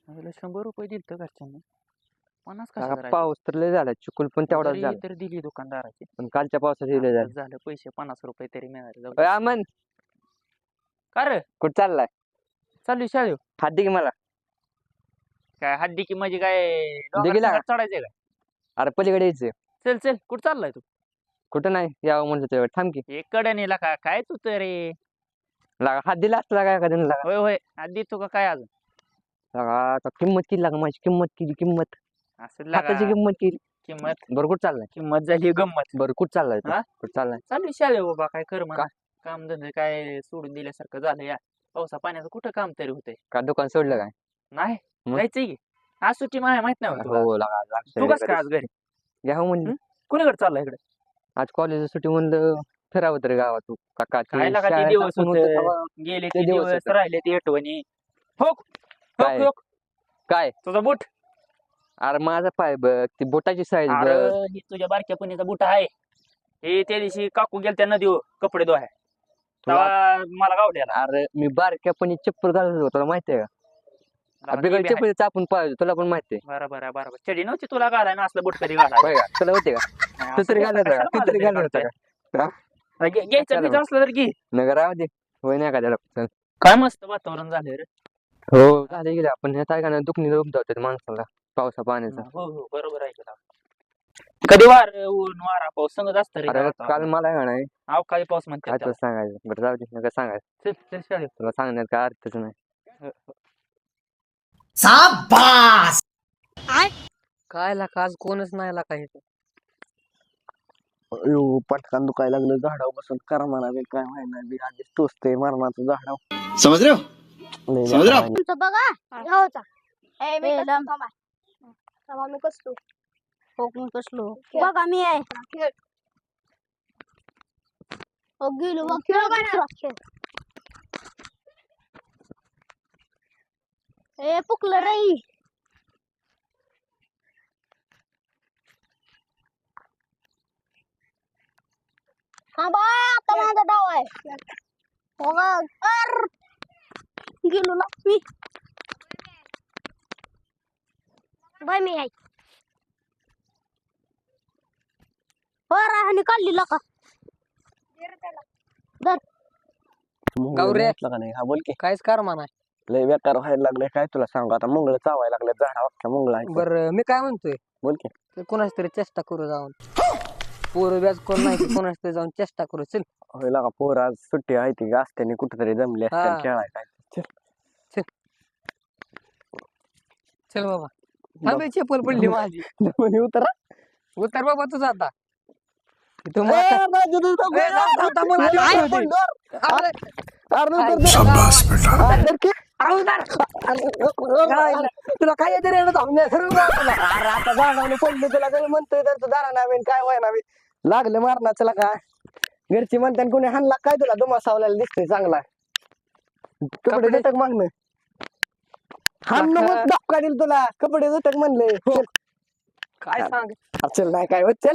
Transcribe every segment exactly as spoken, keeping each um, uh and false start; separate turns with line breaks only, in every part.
मला शंभर रुपये दिलत घरच्यांनी. पन्नास
लागा
कशाला राहिले?
पाऊस तर लय झाला, चिकुल पण तेवढाच
तरी
झाला.
तर दिली दुकानदाराची.
पण कालच्या पावसात दिले
आताच
झाले.
झालं पैसे पन्नास रुपये तरी मिळाले. जाऊ
अय
दे.
अमन,
का रे
कुठं चाललाय?
चालू शाळेव?
हात दे की मला.
काय हड्डी की म्हणजे काय
दे की लागा.
डोंगरात चढायचंय काय?
अरे पलीकडे यायचं.
चल चल कुठं चाललाय तू?
कुठं नाही यावं म्हणलं तेव्हा थांब की.
एक कड्याने का काय तू तरी?
लागा हात दिला असता लागा एखाद्याने लागा.
होय होय आधी तू का काय अजून?
लागा आता किंमत किती लागा, माझी किंमत किती किंमत
असं
हाताची
लागा
किंमत किती.
किंमत
बरं कुठं चाललाय?
किंमत झाली गंमत.
बरं कुठं चाललाय तू?
हा?
कुठं चाललाय?
चालू शाळे बाबा काय कर म्हणा.
का?
काम धंदे काय सोडून दिल्यासारखं झालं या पावसा पाण्याचं कुठं काम तरी होतंय.
का दुकान सोडलं काय?
नाही
मग?
जायचंय की आज सुट्टी मला माहित नाही होत तुला.
हो लागा आज
तू कस काय आज घरी?
घ्यावं म्हणलं.
कुणीकडे चाललाय इकडे?
आज कॉलेज सुट्टी म्हणलं फिरावं तरी गावात. तू काका
काय लागा ते दिवस होते गेले ते
दिवस
दिवस
होते.
राहिले ते आठवणी. हो
काय?
हो
काय
तुझा बूट.
अरे माझा पाय बघ, ती बोटाची साईज
अरे
बघ.
ही तुझ्या बारक्या पणीचा बूट आहे. हे त्या दिवशी काकू गेल त्या नदीवर कपडे धुवाय तेव्हा मला गावल्याला.
अरे मी बारक्यापणी चप्पल घालत होतो, तुला माहितीये का? बिगर चप्पल चापून पाहिजे, तुला पण माहितीये.
बरोबर आहे बरोबर. चडी नव्हती तुला घालाय ना असलं बूट कधी घालाय?
होय का? तुला होते का? तू तरी घालत होता का? तू तरी घालत होता का?
घ्यायचं घ्यायचं असलं तर घे.
नगर राहू दे. होय नाही का त्याला. चल.
काय मस्त वातावरण झालंय रे.
हो झाले गेले आपण हे काय का ना दुखणी उपदावतात माणसाला पावसा पाण्याचा.
हो हो बरोबर आहे तुला. कधी वार ऊन वारा पाऊस संगत असतं रे.
अरे काल मला का नाही
अवकाळी पाऊस म्हणते
काय तुला सांगायचं. बरं जाऊ दे नका सांगायचं.
चल चल शाळेत.
तुला सांगण्यात काय अर्थच नाही.
शाबास
काय ला आज कोणच नाही ला काही.
अयो पटकन दुखायला लागलं झाडावर बसून करा म्हणा बी काय व्हायना बी आधीच टोचते मरणाचं झाडाव. समज रे समज रे
तुमचं बघा घ्यावचा ए मी थांबा थांबा मी कसलो हो मी कसलो बघा मी आहे हो गेलो बघ खेळ ए पुकलं रे. हा बाय आता माझा डाव आहे. हो गर गेलो ना मी बाय मी आहे आणि काढली का दर
गौरे.
का नाही हा बोल की
काहीच कर म्हणा.
लय बेकार व्हायला लागले काय तुला सांगू आता मंगळ चावायला लागले झाडा अख्ख्या मंगळ आहे.
बर मी काय म्हणतोय
बोल की
ते कोणाच तरी चेष्टा करू जाऊन पोरं व्याज कोण नाही की कोणाच तरी जाऊन चेष्टा करू. चल
होय लागा पोर आज सुट्टी आहे ती असत्याने कुठेतरी जमले असते
हा.
खेळाय काय
चल बाबा. थांबे चप्पल पडली माझी.
म्हणे उतरा
उतर बाबा तुझा आता. तू
ए,
म्हाता-
राजू, तू नको.
ए, जाऊ, जाऊ, थांब, मला
अरे,
उतर
पण
दे.
डोर.
अरे,
अरे,
काय?
उतर दे. अरे, की?
अरे, उतर.
अरे, तुला काय येते रे थांबणे अरे आता झाडावले पडले तुला काही म्हणतोय तर तू दारा नावेन काय व्हाय नावे लागले मारण्याचं काय घरची म्हणते कोणी हाणला काय तुला दुमा सावल्याला दिसतोय चांगला कपडे
कपडे-
झटक मागणं हाण मग धक्का दिल तुला कपडे झटक म्हणले चल
काय सांग
अरे चल नाही काय होत चल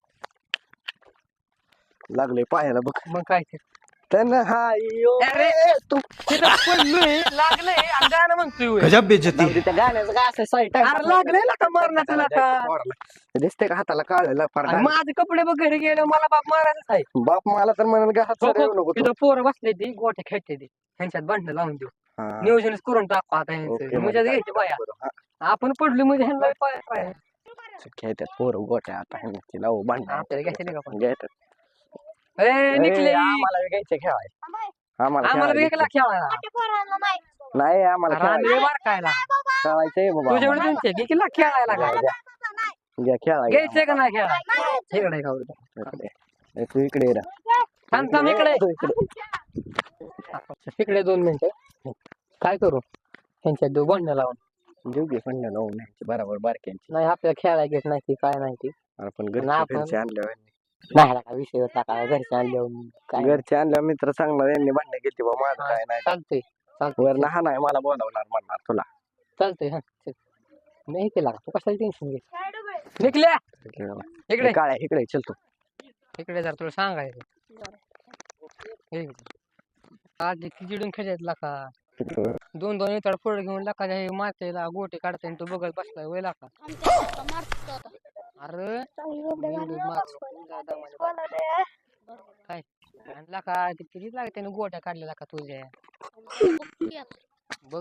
लागले पायाला बघ
मग काय ते
त्यांना हा यो
अरे,
तू
तिथं पडलोय लागलंय आणि गाणं म्हणतोय होय.
गजब बेइज्जती
जाऊ दे, त्या गाण्याचं काय असं साईट
अरे लागलंय ना का मारण्याचं ना का.
दिसते का हाताला काढायला
आणि माझे कपडे बघ घरी गेले मला बाप मारायलाच आहे.
बाप मला तर म्हणाल का हात
हो,
सोडायला नको तू.
तिथं पोरं बसले ती गोट्या खेळते ती ह्यांच्यात भांडणं लावून देऊ
हा.
नियोजनच करून टाकू आता
ओके,
ह्यांचं
मग
म्हणजे
काय
घ्यायची बाया
बरं, हा.
आपण पडलो म्हणजे ह्यांना पाय पाय
खेळतात पोरं गोट्या आता ह्यांची लावू भांडण
आपल्याला घ्यायचे नाही का पण.
घेतात
ए, निघले
आम्हाला बी घ्यायचे खेळाय आम्हाला
आम्हाला
खेळायला
वेगळा खेळायला
नाही
नाही आम्हाला
अरे आम्ही
खेळायचं
बार खायला
खेळायचंय बाबा
तुझ्याकडे
आम्हाला.
तुमचे किल्ला खेळायला का
घ्या खेळायला
घ्यायचंय का नाही खेळायला इकडे खाऊ
इकडे. ए, तू इकडे ये रे.
थांब थांब इकडे
तू इकडे.
इकडे दोन मिनिटं काय करू ह्यांच्यात देऊ भांडणं लावून
देऊ घे भांडण लावून न्यायची बरोबर बारक्यांची
नाही आपल्याला खेळायला घेत नाही ती काय नाही ती
आपण
ना आपण-
घरचे आणल्यावर
नाही का विषय होता का घरच्या आणले काय
घरचे आणल्यावर मित्र चांगला यांनी भांडण घेतली बा माझं काय नाही
चालतंय चालतंय
वर लहान आहे मला बोलावणार म्हणणार तुला
चालतंय हा चल. नाही केला तू कशाला टेन्शन घे निघल्या इकडे
काळ्या इकडे चल तू
इकडे जर तुला सांगायचं हे. आज ती चिडून खेळायला का दोन दोन इतर पुढे घेऊन लाका हे मातेला गोटे काढताय आणि तो बघत बसलाय वय लाका
आमच्या इथं मारतो आता.
अरे
चांगली गोबडे
मेंदूत
घालून
मार.
दादा मला बोला रे.
काय आणि लाका ते किती लागते त्याने गोट्या काढल्या लाका तुझ्या
बघ
बघ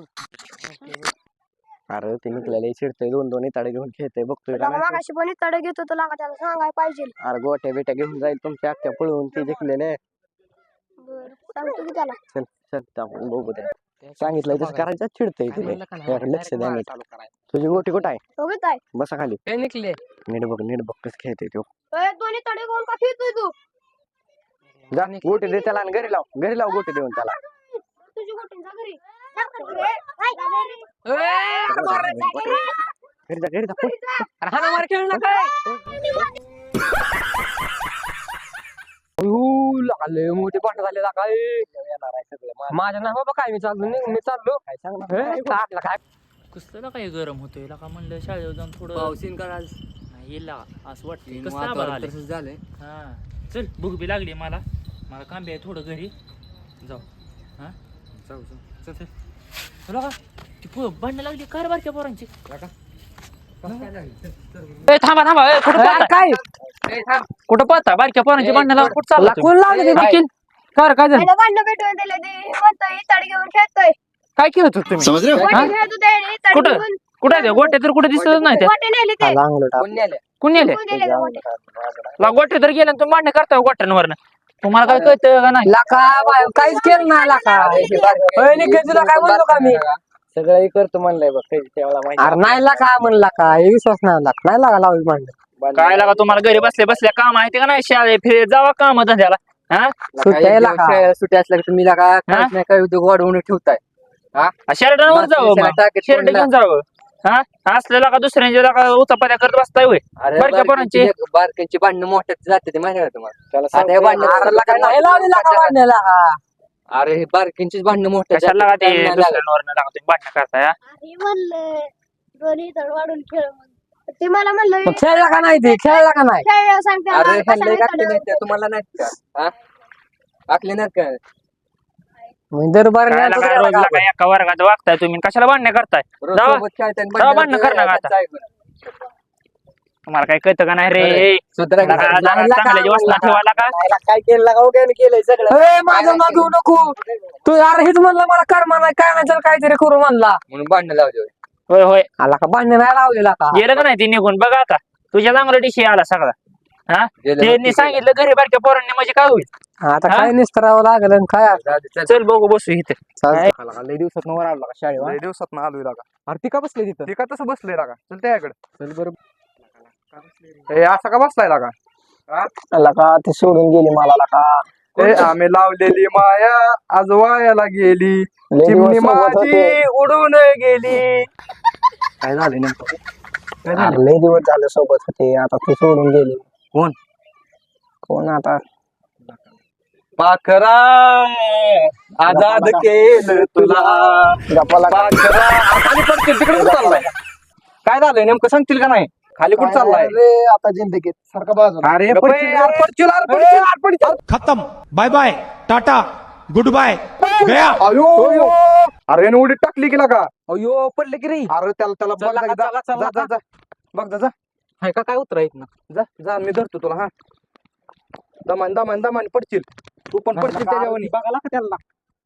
अरे ते निघलेले चिडतोय दोन दोन इताडे घेऊन खेळतोय बघतोय का
तुला
नाही?
मागाशी पण तडे घेतो तुला का त्याला सांगाय पाहिजे.
अरे गोट्या बिट्या घेऊन जाईल तुमच्या अख्ख्या पळवून ते जिंकलेले.
बरं सांगतो की त्याला.
चल चल आपण बघू द्या. सांगितलंय तसं करायचं चिडतंय
काय
तिथे.
म्हणलं का
यार, लक्ष द्या नीट.
चालू करायचं
तुझी गोटी कुठं आहे?
बघत आहे.
बसा खाली.
काय निघले
नीट बघ नीट बघ कसं खेळतोय तो.
ए, दोन्ही तडे घेऊन का खेळतोय तू?
जा गोटी दे त्याला आणि घरी लाव घरी लाव गोटी देऊन त्याला.
तुझी गोटी जा घरी. जा घरी. जा घरी.
घरी जा घरी जा पळ.
अरे हाना मार खेळला काय लागले मोठे पाठ झाले काय माझ्या ना बाबा काय मी चाललो नाही मी चाललो
काय सांग ना.
हे, काढला काय
कसलं काय गरम होतोय का म्हणलं शाळेवर जाऊन थोडं
पावसीन का आज
नाही येईल लागा. असं वाटतंय कसं
वातावरण
आभाळ आलंय.
तसंच झालंय.
हा चल भूक बी लागली मला मला काम बी आहे थोडं घरी जाऊ. हा
जाऊ जाऊ.
चल चल तुला का ती पो भांडणं लागली कार बारक्या पोरांची. ए, थांबा थांबा ए, कुठं पळता?
काय
कुठं पळता बारक्या पोरांची भांडणं लावून कुठं चालला
कोण लावलं ते वकील काय रे, काय झालं
त्याला भांडणं भेटून दिले ते म्हणतोय तडे घेऊन खेळतोय.
काय केलं होतं तुम्ही
गोटे खेळत होते आणि तडे
कुठं?
घेऊन
कुठे आहे ते गोटे तर कुठे दिसतच नाही ते.
गोटे नेले ते.
अंगलट
कोण नेले
कोण नेले
कोण गेले ते गोटे?
ला गोटे तर गेले आणि तुम्ही भांडणं करताय गोट्यांवर तुम्हाला काय कळतं का नाही.
लाका बाय, काहीच केलं नाही लाका होय, निघत तुला काय म्हणलो का मी
सगळं करतो म्हणलंय बघ काही त्याला माहिती.
अरे नाही लाका म्हणला का हे विश्वास नाही लाका नाही लागा लावली मांड
काय लागा तुम्हाला घरी बसले बसल्या काम आहे ते का नाही शाळे फिरे जावा काम धंद्याला. हा
सुट्ट्या लाका सुट्ट्या असल्या की तुम्ही लाका काहीच नाही काय उद्योग वाढवून ठेवताय
शर्टावर जावं शर्ट घेऊन जावं. हा असलेला का दुसऱ्यांच्या का उचापात्या करत बसताय होय.
अरे
बारक्या पोरांची.
बारक्यांची बारक्यांची भांडणं मोठ्यात जाते ते माहिती आहे का तुम्हाला
त्याला
आता हे
सांगतोय,
भांडणं
अरे
दुसऱ्याला काय नाही लावली लाका भांडण्याला अरे हे बारक्यांचीच भांडणं मोठ्या
कशाला लागा ते
जाते, त्यांना लागत.
दुसऱ्यांवर लागा तुम्ही भांडणं करताय. हा?
अरे म्हणलं दोन्ही तड वाढून खेळ म्हणून. ते मला म्हणलं
मग खेळला का नाही ते खेळला का नाही
खेळ सांगते
अरे
मला
ह्यांना
कशाला
आखले
तडे
नाहीत का?
वाढतो?
तुम्हाला नाहीत का हा? आखले नाहीत का दरबार
काय लागा रोज लागा एका वर्गात वागताय तुम्ही कशाला भांडणं करताय. जावा. जावा भांडणं कर ना आता. तुम्हाला काय कळतं का नाही रे. लागा, जरा चांगल्या वासना ठेवायला का
याला काय केलं का उगाच केलंय सगळं.
माझं नाव घेऊ नको तू अरे हेच म्हणलं मला कर्मा नाही काय नाही तर काहीतरी करू म्हणला म्हणून भांडण लावले
होय होय
आला का भांडण नाही लावलेला का
गेलं का नाही ती निघून बघा आता तुझ्या चांगला डिशी आला सगळा. हा त्यांनी सांगितलं घरी बारक्या पोरांनी म्हणजे काय होईल.
आता
हा?
काय निस्तरावं लागल आणि काय
चल बघू बसू इथे.
लय दिवसात वर आलो का शाळेवर.
लय दिवसात आलोय लागा.
अरे ती का बसले तिथं?
ते का तसं बसलंय लागा चल त्याकडे
चल बरं.
ए असा का बसलाय लागा
आला का ते सोडून गेली मला का.
ए आम्ही लावलेली माया आज वायाला गेली
लय
चिमणी
दिवस सोबत
माझी
होते.
उडून गेली.
काय झालं नेमकं? अरे लय दिवस झाले सोबत होते आता ते सोडून गेली.
कोण?
कोण आता?
पाखरा आजाद केलं तुला
गप्पाला का?
पाखरा खाली पडतील तिकडे कुठं चाललाय काय झालंय नेमकं सांगतील का नाही खाली कुठं चाललाय
रे आता जिंदगीत सारखा बाजूला.
अरे पडशील यार, पडशील यार, पडशील यार, पडशील.
खत्म bye bye tata goodbye गया
अयो अरे याने उडीत टाकली गेला का
अयो पडले की रे.
अरे त्याला त्याला बघ
चला
जा,
का,
जा,
चला,
जा,
चला
जा, जा. बघ जा जा
हाय का काय उतरायत ना.
जा जा मी धरतो तुला हा दमान दमान दमान पडशील तू पण पडशील त्याच्यावर
बघाला का त्याला.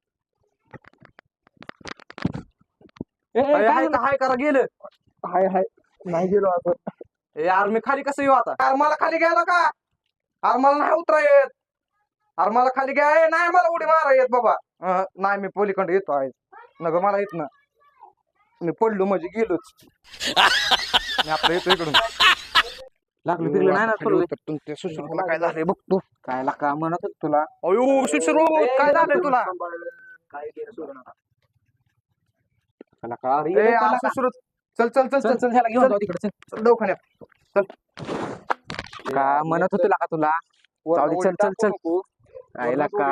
हाय का हाय करा गेलं
हाय हाय नाही गेलो आपण.
ए यार मी खाली कसं येऊ आता यार मला खाली घ्यायला का अरे मला नाही उतरा येत अरे मला खाली घ्या ए, नाही मला उडी मारा येत बाबा अं, नाही मी पोलीकडे येतो आहे नगर मला येत ना मी पडलो म्हणजे गेलोच मी आपलं येतो इकडून
लागलं बिगलं नाही ना तुला.
तुमच्या सुश्रुतला काय झालंय बघ तू
काय ला का म्हणत होत तुला.
अयो सुश्रू काय झालंय तुला
काय केलं सोडून आता. चला का रे.
ए आ, सुश्रुत चल चल चल
चल
चल
चल ह्याला घेऊन जाऊ तिकडे. चल
चल दवाखान्यात
का म्हणत होतो का तुला. जाऊ दे, चल चल चल. राहिला का.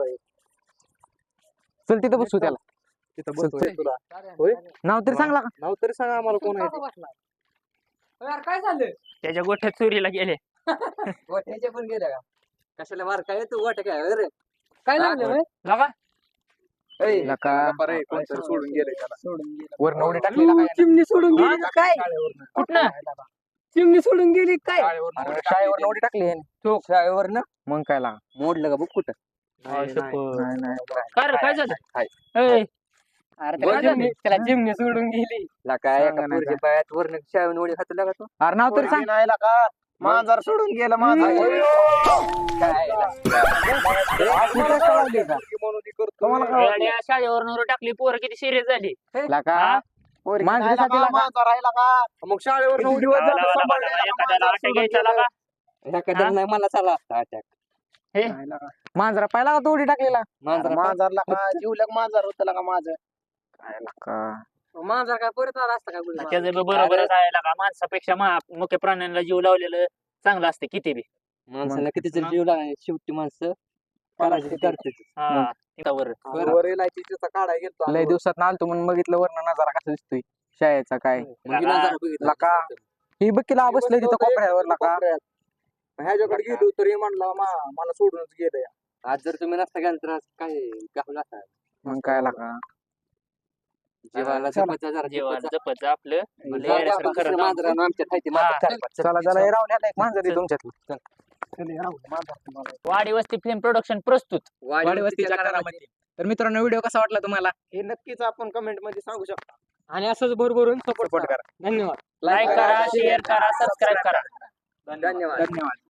चल तिथं बसू त्याला.
तिथं
चल,
बसतोय
चल.
तुला
होय नाव तरी सांगला का.
नाव तरी सांगा आम्हाला कोण आहे ते.
काय झालं
त्याच्या गोठ्यात चोरीला गेले.
गोट्याच्या पण गेल्या का कशाला मार काय तू गोट्या काय रे काय लागलं
लागा
लका
बरं आहे, कोणतरी सोडून गेले त्याला
वरनं उडी टाकलेला काय
चिमणी सोडून गेली का काय
कुठनं
चिमणी सोडून गेली काय
अरे, शाळेवरनं उडी टाकली ह्याने.
तो शाळेवरनं
मग काय लागा
मोडलं का बघ कुठं
हा, शपथ.
नाही नाही
काय रे, काय झालं
हाय.
ए,
अरे त्याला चिमणी त्याला चिमणी सोडून गेली काय
सांगा ना
पोरच्या पायात वरनं शाळेवरून उडी खात लागा तो
अरे नाव तरी सांग
नाही का मांजर सोडून गेलं मांजर
काय
कुठं कळाली का?
तुम्हाला काय वाटलं?
येड्या, शाळेवर नवर टाकली पोरं किती सिरियस झाली
लका
हा?
पोरी
मांजरीसाठी
नाही
लागा.
लागा, मांजर आहे लागा.
मग शाळेवर उडी
लागा, लागा, लागा, लागा, एखाद्याला अटॅक यायचा लागा.
एखाद्या नाही मला चाला असता अटॅक
हे
मांजरा पाहिला का तो उडी टाकलेला
मांजरा
मांजर लागा जीवलग मांजर होतं लागा माझं
मांजरा काय परत आला असता काय बोलला?
त्याचं बी बरोबरच आहे लागा. माणसापेक्षा मा- मुख्य प्राण्यांना जीव लावलेलं चांगलं असते किती बी.
माणसाला किती जर जीव लागला शेवटी माणसं करायची ते करतेच.
हा, त्यावर.
वर इलायचीचा काढाय गेलतो
लय दिवसात आलतो म्हणून बघितलं वरनं नजारा कसा दिसतोय शाळेचा काय
मग हिला जरा बघितलं.
लका ही बघिला बसलंय तिथं कोपऱ्यावर लका
ह्याच्याकडे गेलो तरी म्हणला मा मला सोडूनच गेलं
आज जर तुम्ही नसता गेला तर आज काय गावला असता
मग काय लका
जीवाला जपायचं जरा
जीवाला
जपायचं.
जपत जा आपलं.
म्हणजे
लय
जाऊ
येड्यासारखं
आपण
करत
दुसऱ्या
जाऊ.
मांजरानं आमच्या खायती
हा.
मांजर
चला चला हे रावल्याला एक मांजर आहे तुमच्यात
वाडी वस्ती फिल्म प्रोडक्शन प्रस्तुत.
वाडी वस्तीच्या करामध्ये. तर मित्रांनो व्हिडिओ कसा वाटला तुम्हाला
हे नक्कीच आपण कमेंट मध्ये सांगू शकता
आणि असंच भरभरून सपोर्ट
सपोर्ट करा
धन्यवाद
लाईक करा, शेअर करा, सबस्क्राईब करा.
धन्यवाद
धन्यवाद